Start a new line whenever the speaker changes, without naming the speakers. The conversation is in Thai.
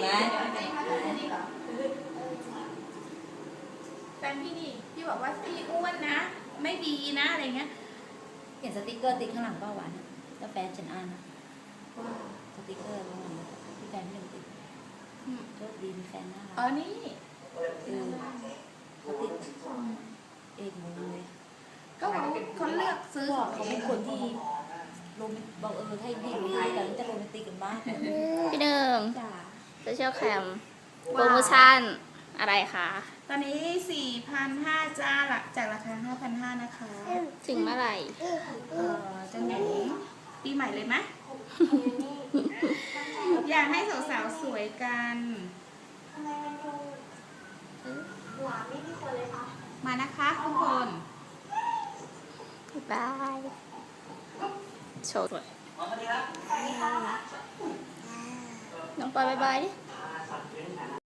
ไหม
แฟนพี่นี่พี่บอกว่าพี่อ้วนนะไม่ดีนะอะไรเงี้ย
เห็นสติกเกอร์ติดข้างหลังป้าหวานแล้วแฟนฉันอ่านนะสติกเกอร์ข้างหลังที่แฟนพี่หนึ่งติดโชคดีมีแฟนน่ารัก
นี่
เขาติดเอกมูเลย
ก็เขาเลือกซื้อของ
เขาเป็นคนที่โรแมนบอกให้พี่รู้กันจะโรแมนติกกันบ้าง
พี่หนึ่ง
จ้า
โซเชียลแคมโปรโมชั่นอะไรคะ
ตอนนี้ 4,500 จ้าละจากราคา 5,500 นะคะ
ถึงเมื่อไหร่
จะไหนปีใหม่เลยไหม อยากให้สาวๆสวยกันมานะคะทุกคน
บายโชว์สวยน้องปอยบายบายดิ